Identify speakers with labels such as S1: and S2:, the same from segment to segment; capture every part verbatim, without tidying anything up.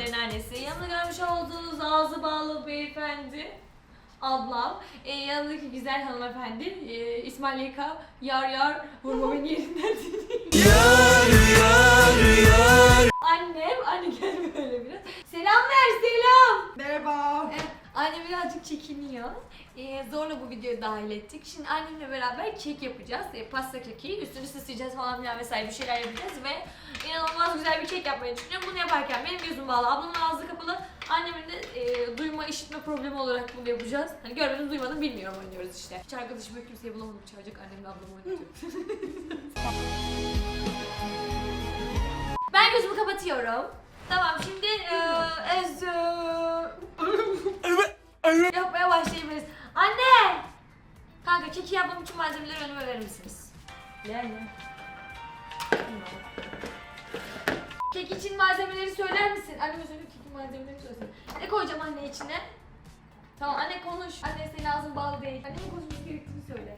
S1: Merve'nin annesi. Yanında görmüş olduğunuz ağzı bağlı beyefendi ablam. E, yanındaki güzel hanımefendi e, İsmail Yeka yar yar vurma beni yerinden yar yar yar. Annem, anne gel böyle biraz. Selam ver selam.
S2: Merhaba.
S1: Evet, annem birazcık çekiniyor. Ee, zorla bu videoyu dahil ettik. Şimdi annemle beraber kek yapacağız. Ee, pasta keki. Üstünü süsleyeceğiz falan filan vesaire bir şeyler yapacağız ve inanılmaz güzel bir kek yapmayı düşünüyorum. Bunu yaparken benim gözüm bağlı, ablamın ağzı kapalı. Annemin de e, duyma, işitme problemi olarak bunu yapacağız. Hani görmedim, duymadım, bilmiyorum oynuyoruz işte. Hiç arkadaşım yok, kimseyi bulamadım. Çağıracak annemle ablamı oynatıyorum. Ben gözümü kapatıyorum. Tamam, şimdi e, ez, yapmaya başlayabiliriz. Anne! Kanka keki yapmam için malzemeleri önüme verir misiniz? Yani. Kek için malzemeleri söyler misin? Anneme söyle, kekin malzemeleri söylesin. Ne koyacağım anne içine? Tamam anne konuş. Anne senin ağzın bağlı değil. Annemin konuşması gerektiğini söyle.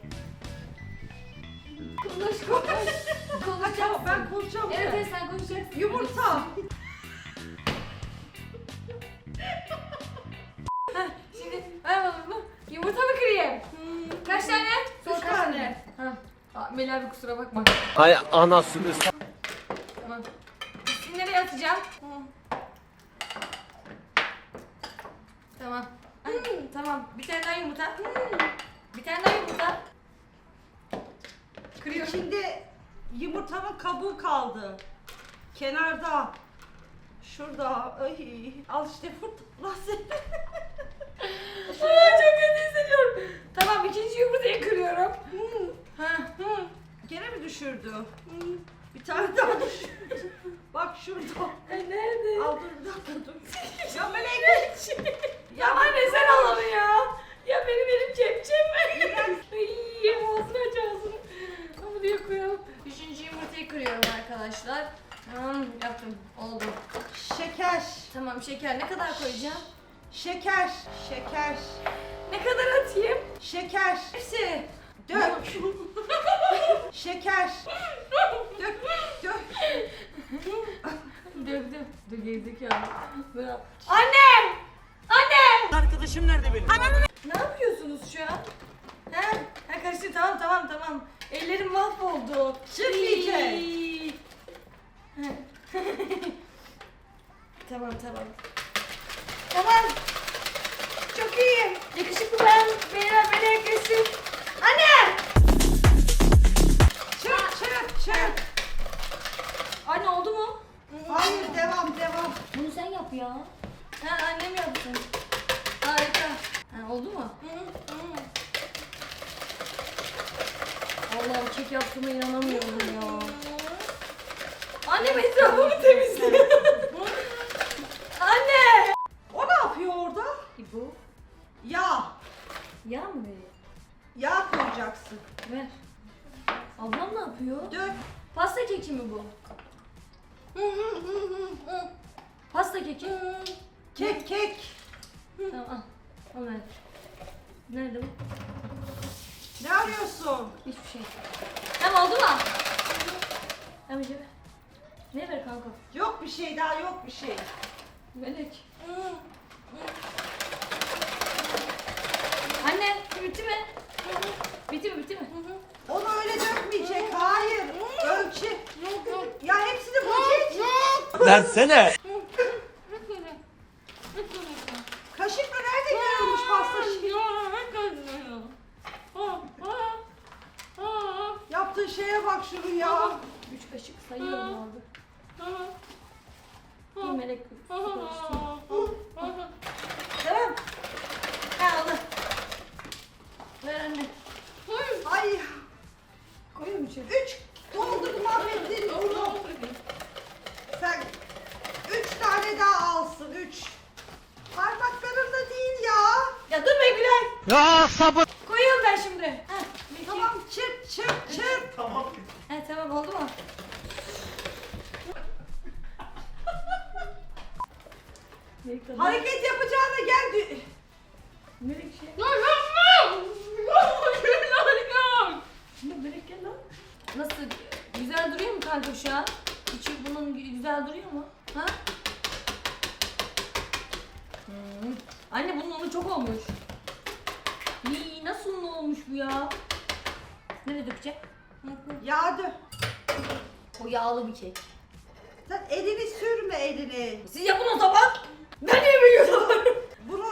S1: Konuş konuş. Konuşacaksın.
S2: Ben konuşacağım.
S1: Evet evet sen konuşacaksın.
S2: Yumurta.
S1: Heh, şimdi ver bana bunu. Yumurta mı kırayım? Hmm. Kaç tane? Sor
S2: Üç
S1: kaç
S2: tane.
S1: Ha. Aa, Melih abi kusura bakma.
S3: Hay anasını s***.
S1: Tamam. Şimdi nereye atacağım? Tamam. Ay, tamam. Bir tane daha yumurta. Bir tane daha yumurta. Kırıyorum.
S2: İçinde yumurtanın kabuğu kaldı. Kenarda. Şurada. Ay. Al işte burada.
S1: Aa, çok kötü hissediyorum. Tamam ikinci yumurtayı kırıyorum. Ha.
S2: Gene mi düşürdü? Bir tane daha düşürdü. Bak şurada.
S1: Ay nerede?
S2: Al dur bir dakika dur. Ya melek.
S1: Ya anne sen al onu ya. Ya benim elim kepçem mi? Ay ağzını aç ağzını. Ama diye koyalım. Üçüncü yumurtayı kırıyorum arkadaşlar. Tamam yaptım. Oldu.
S2: Şeker.
S1: Tamam şeker ne kadar koyacağım?
S2: Şeker. Şeker.
S1: Ne kadar atayım?
S2: Şeker.
S1: Hepsi.
S2: Dök. Şeker. Dök. Dök.
S1: Dövdüm. Dur gerizekalı. Bırak. Anne! Anne!
S3: Arkadaşım nerede benim?
S1: Ne yapıyorsunuz şu an? He? Ha karıştı tamam tamam tamam. Ellerim mahvoldu.
S2: Çık iyice.
S1: İyi. Tamam tamam. Tamam. Çok iyi. Yakışıklı ben. Beyler beni yakışık. Anne!
S2: Çık çık çık.
S1: Anne oldu mu?
S2: Hayır devam devam.
S1: Bunu sen yap ya. Ha annem yapsın. Harika. Ha oldu mu? Allah'ım kek yaptığıma inanamıyorum ya. Annem etrafımı temizliyor. Anne!
S2: O ne yapıyor orada?
S1: Bu
S2: Yağ.
S1: yağ mı veriyor?
S2: Yağ koyacaksın.
S1: Ver. Ablam ne yapıyor?
S2: Dök.
S1: Pasta keki mi bu? Pasta keki.
S2: Kek kek.
S1: Tamam al. Al ver. Nerede bu?
S2: Ne arıyorsun?
S1: Hiçbir şey. Tamam oldu mu? Tamam işte. Ne ver kanka?
S2: Yok bir şey daha yok bir şey.
S1: Melek. Anne bitti mi? Bitti mi bitti mi?
S2: Onu öyle dökmeyecek. Hayır. Ölçü. Ya hepsini böcek.
S3: Versene.
S2: Kaşıkla nerede görülmüş pasta şey? Yaptığın şeye bak şunu ya.
S1: Üç kaşık sayıyorum orada. Bir melek su karıştırayım. Tamam. Ha oldu. Ver anne.
S2: Ay.
S1: Koyuyor mu içeri?
S2: Üç. Doldurdum mahvettin bunu. Sen üç tane daha alsın. Üç. Parmaklarımda değil ya.
S1: Ya dur be Gülay.
S3: Ya sabır.
S1: Koyuyorum ben şimdi. Ha, bir,
S2: Tamam çırp çırp çırp.
S3: Tamam.
S1: Ha tamam oldu mu? Melek tadı.
S2: Hareket yapacağına gel. dü-
S1: Melek şey. Şimdi Melek gel lan. Nasıl? Güzel duruyor mu kanka şu an? İçi bunun güzel duruyor mu? Ha? Anne bunun unu çok olmuş. İyi, nasıl un olmuş bu ya? Nereye dökeceğim?
S2: Yağ dök.
S1: O yağlı bir kek.
S2: Sen elini sürme elini.
S1: Siz yapın o zaman. Ben niye biliyorum?
S2: Bunu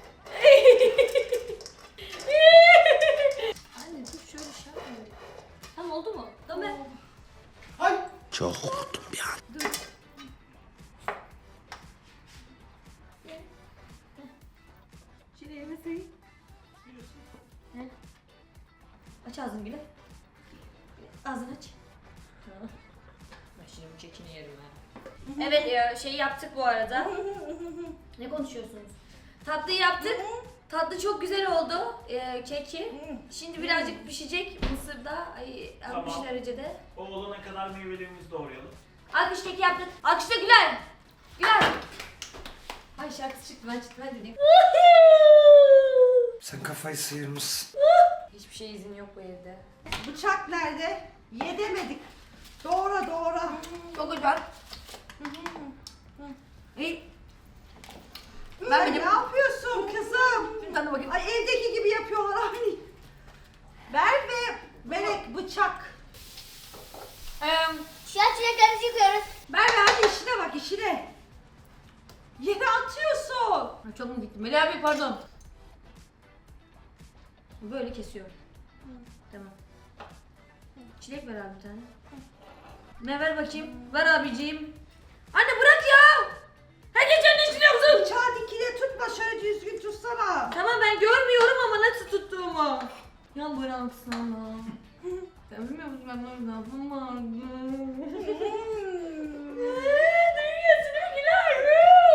S1: Anne dur şöyle şey yapma. Tamam oldu mu? Tamam ben.
S2: Ay.
S3: Çok korktum bir an.
S1: Dur. Şimdi elime sayayım. Ne? Aç ağzını bile. Ağzını aç. Tamam. Ben şimdi bu kekini yerim ha. Evet ya şey yaptık bu arada. Ne konuşuyorsunuz? Tatlıyı yaptık. Tatlı çok güzel oldu. Ee, keki. Şimdi birazcık pişecek mısırda. Ay, altmış
S4: Tamam.
S1: derecede.
S4: O olana kadar meyvelerimizi doğrayalım.
S1: Alkış keki yaptık. Alkışla Güler. Güler. Ay şarkısı çıktı ben çıktı ben dedim.
S3: Sen kafayı sıyırmışsın.
S1: Hiçbir şey izin yok bu evde.
S2: Bıçak nerede? Yedemedik. Doğra doğra.
S1: Çok güzel. İyi.
S2: Ben
S1: Ben
S2: ne
S1: benim.
S2: yapıyorsun kızım?
S1: Şimdi tadına bakayım.
S2: Ay evdeki gibi yapıyorlar aynı. Merve, Melek bıçak.
S1: Ee,
S5: Şu an çileklerimizi yıkıyoruz.
S2: Merve hadi işine bak işine. Yere atıyorsun.
S1: Ay, çok mu gittim? Melih abi pardon. Böyle kesiyorum. Tamam. Çilek ver abi bir tane. Ne ver bakayım? Ver abiciğim. Anne bırak ya. Herkes kendi işini yapsın.
S2: Bıçağı dikine tutma şöyle düzgün tutsana.
S1: Tamam ben görmüyorum ama nasıl tuttuğumu. Ya bıraksana. Sen bilmiyor musun ben orada lafım vardı. Duyuyorsun değil mi Güler?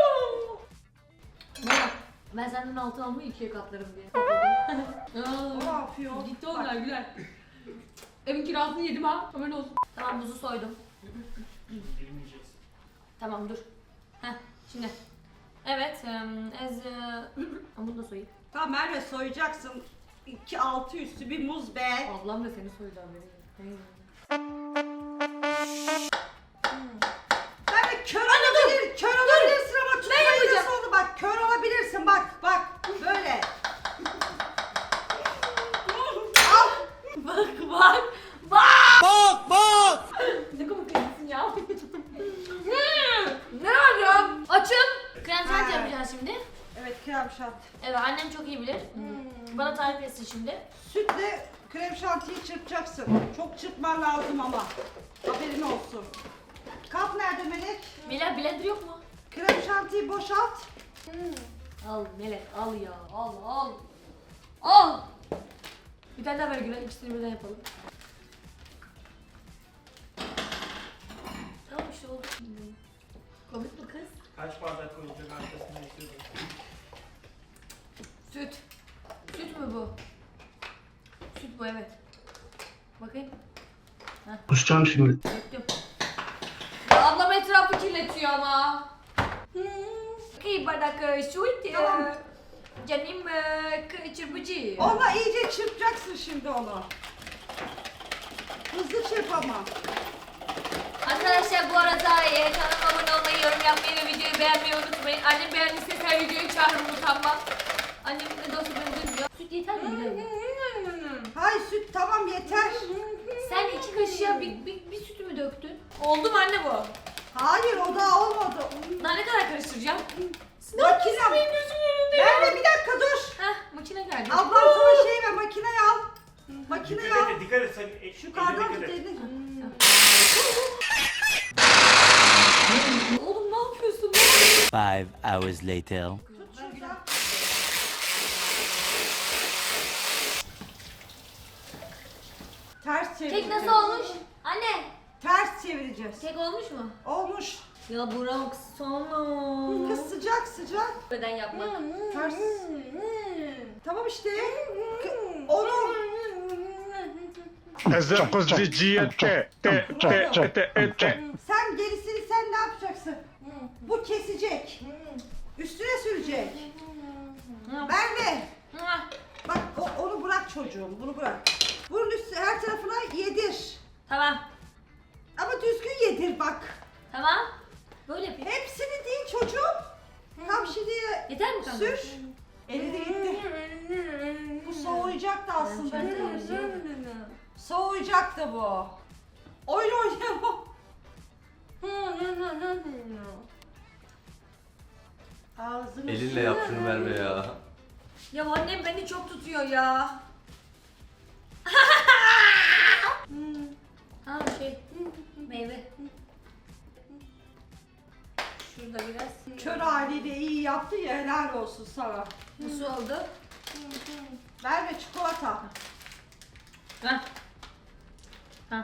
S1: Bak, ben senden altı almayı ikiye katlarım diye.
S2: O ne yapıyor?
S1: Gitti
S2: Bak,
S1: onlar Güler. Evin kirasını yedim ha. Haberin olsun. Tamam buzu soydum.
S4: Bilmeyeceksin.
S1: Tamam dur. Heh şimdi. Evet. Um, ez... Bunu da soyayım.
S2: Tamam Merve soyacaksın. İki altı üstü bir muz be.
S1: Ablam da seni soydu haberi.
S2: Merve kör olabilir, kör olabilirsin ama tutmayı
S1: yapacağım.
S2: nasıl oldu? Bak kör olabilirsin bak bak böyle. Al.
S1: Bak bak. Bak.
S3: Bak bak!
S1: Ne komik kızsın ya. ne var ya? Açın. Krem şanti
S2: Ha.
S1: yapacağız şimdi.
S2: Evet krem şanti.
S1: Evet annem çok iyi bilir. Bana tarif etsin şimdi.
S2: Sütle krem şantiyi çırpacaksın. Çok çırpman lazım ama. Haberin olsun. Kap nerede Melek?
S1: Melek blender yok mu?
S2: Krem şantiyi boşalt.
S1: Al Melek al ya. Al al. Al. Bir tane daha ver Gülen. İkisini birden yapalım. Tamam işte oldu. Komik mi kız?
S4: Kaç bardak koyulacak arkasında istiyorsun.
S1: Süt. Süt mü bu? Süt bu evet. Bakayım.
S3: Kusacağım şimdi.
S1: Döktüm. Ya ablam etrafı kirletiyor ama. İki bardak e, süt. e,
S2: Tamam.
S1: Canım e, k- çırpıcı.
S2: Onunla iyice çırpacaksın şimdi onu. Hızlı çırp ama.
S1: Arkadaşlar bu arada e, kanalıma abone olmayı, yorum yapmayı ve videoyu beğenmeyi unutmayın. Annem beğendiyse her videoyu çağırırım utanmam. Annem ne de olsa beni duymuyor. Süt yeter mi? Güzel mi?
S2: Hay süt tamam yeter.
S1: Sen iki kaşığa bir, bir, bir sütü mü döktün? Oldu mu anne bu?
S2: Hayır o daha olmadı.
S1: Daha ne kadar karıştıracağım?
S2: Makine.
S1: Benim gözümün önünde.
S2: Merve bir dakika dur.
S1: Heh makine geldi.
S2: Ablam sana şey ver makineyi al. Makineyi
S4: Dikkat
S2: al.
S4: et, dikkat et. Sen, e,
S2: Şu
S4: eline
S2: kardan
S4: dikkat
S2: tut
S4: et.
S2: elini.
S1: Oğlum ne yapıyorsun?
S6: Five hours later.
S2: Tut şuradan. Ters çevir.
S1: Kek nasıl olmuş? Anne.
S2: Ters çevireceğiz.
S1: Kek olmuş mu?
S2: Olmuş.
S1: Ya bırak sana.
S2: Kız sıcak sıcak.
S1: Neden yapmak?
S2: Ters. Tamam işte. K- Onu.
S3: Ezel kızıcıya te te te te te te.
S2: Sen gerisini sen ne yapacaksın? Bu kesecek. Üstüne sürecek. Merve.
S1: Hah.
S2: Bak o- onu bırak çocuğum. Bunu bırak. Bunun üstü her tarafına yedir.
S1: Tamam.
S2: Ama düzgün yedir bak.
S1: Tamam. Böyle yapayım.
S2: Hepsini değil çocuğum. Tam şimdi
S1: Yeter mi kanka?
S2: sür. Eridi gitti. Bu soğuyacaktı aslında biliyor musun? Soğuyacaktı bu. Oyun oynayamam. Ağzını
S7: Elinle yap şunu Merve ya.
S1: Ya annem beni çok tutuyor ya. Ha şey meyve. Şurada biraz.
S2: kör haliyle iyi yaptı ya, helal olsun sana.
S1: Nasıl oldu?
S2: Ver ve çikolata.
S1: Ha. Ha.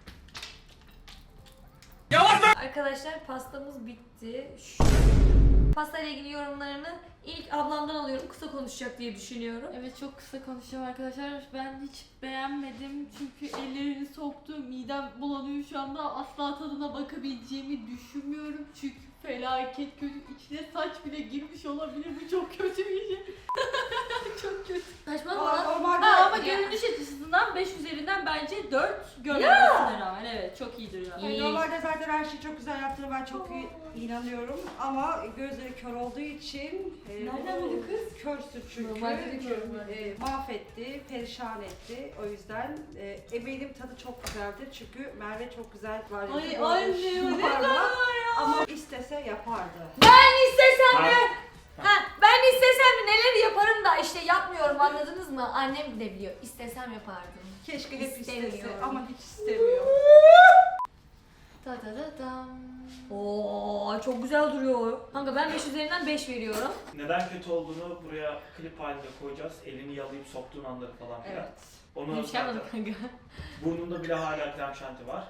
S1: Arkadaşlar pastamız bitti. Şu... Pasta ile ilgili yorumlarını ilk ablamdan alıyorum. Kısa konuşacak diye düşünüyorum.
S8: Evet, çok kısa konuşacağım arkadaşlar. Ben hiç beğenmedim çünkü ellerini soktu. Midem bulanıyor şu anda. Asla tadına bakabileceğimi düşünmüyorum. Çünkü felaket kötü. İçine saç bile girmiş olabilir. Bu çok kötü bir şey. Çok kötü.
S1: Saçmalama
S2: Aa,
S1: lan.
S2: normalde
S8: Ha, ama
S1: Ya.
S8: görünüş açısından beş üzerinden bence dört görmemesine rağmen. Evet, çok iyidir ya.
S1: İyi.
S2: Normalde zaten her şeyi çok güzel yaptığını ben çok iyi inanıyorum ama gözleri kör olduğu için e,
S8: Nereden
S2: bu-
S8: bildi kız?
S2: Körsün çünkü.
S8: Normalde de körüm ben.
S2: E, mahvetti, perişan etti. O yüzden e, eminim tadı çok güzeldir çünkü Merve çok güzel var.
S8: Ay anne, o ne kadar ya.
S2: Ama istese yapardı.
S1: Ben istesem de
S4: Ha.
S1: ha, ben istesem de neler yaparım da işte yapmıyorum, anladınız mı? Annem de biliyor. İstesem yapardım.
S2: Keşke hep istese
S1: İstemiyorum.
S2: ama hiç istemiyor.
S1: Ta ta ta tam. Oo çok güzel duruyor. Kanka ben beş üzerinden beş veriyorum.
S4: Neden kötü olduğunu buraya klip halinde koyacağız. Elini yalayıp soktuğun anları falan filan.
S2: Evet.
S4: Onu
S1: Bir şey yapmadım
S4: zaten
S1: kanka.
S4: burnunda bile hala krem şanti var.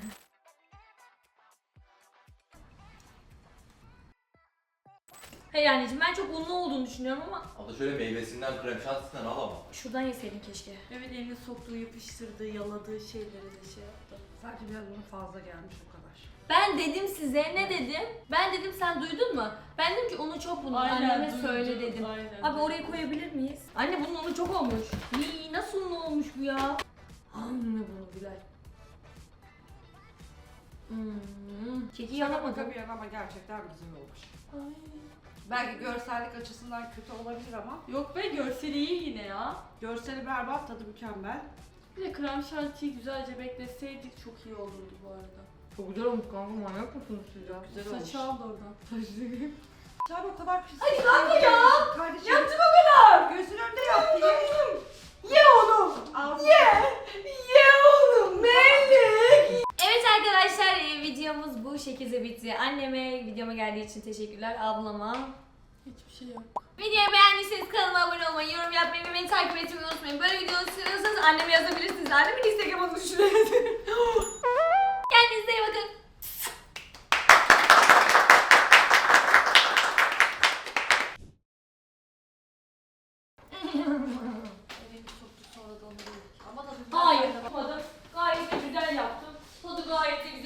S1: Hey anneciğim, ben çok unlu olduğunu düşünüyorum ama
S7: O da şöyle meyvesinden krem şantisinden al ama.
S1: şuradan yeseydin keşke.
S8: Evet, elini soktuğu, yapıştırdığı, yaladığı şeyleri de şey yaptı.
S2: Sadece biraz bunun fazla gelmiş o kadar.
S1: Ben dedim size, ne dedim? Ben dedim, sen duydun mu? Ben dedim ki unu çok bunun, anneme
S8: duydum,
S1: söyle dedim.
S8: aynen.
S1: Abi oraya koyabilir miyiz? Anne bunun unu çok olmuş. İyi, nasıl unlu olmuş bu ya? Anne bunu Gülay. Hmm, keki
S2: Şaka
S1: yanamadım.
S2: maka bir yana ama gerçekten güzel olmuş.
S8: Ay.
S2: Belki görsellik açısından kötü olabilir ama
S8: Yok be, görseli iyi yine ya.
S2: görseli berbat, tadı mükemmel.
S8: Bir de krem şantiyi güzelce bekleseydik çok iyi olurdu bu arada.
S1: Çok güzel olmuş kanka, manyak mısınız siz ya?
S2: Güzel olmuş.
S8: Saçı aldı oradan.
S2: Sen o kadar pis.
S1: Hadi kanka ya!
S2: Kardeşim.
S1: Yaptım o kadar!
S2: Gözün önünde yaptı.
S1: Ye oğlum!
S2: Al.
S1: Ye! Ye oğlum! Melek! Evet arkadaşlar, e, videomuz bu şekilde bitti. Anneme videoma geldiği için teşekkürler. Ablama.
S8: Hiçbir şey yok.
S1: Videoyu beğendiyseniz kanalıma abone olmayı, yorum yapmayı ve beni takip etmeyi unutmayın. Böyle videoları istiyorsanız anneme yazabilirsiniz. Annemin Instagram adını şuraya yazın. Kendinize iyi bakın.
S8: Elini soktu, sonra da onu yedik. Ama da
S1: Hayır, yapmadım. Gayet de güzel yaptım. Tadı gayet de güzel.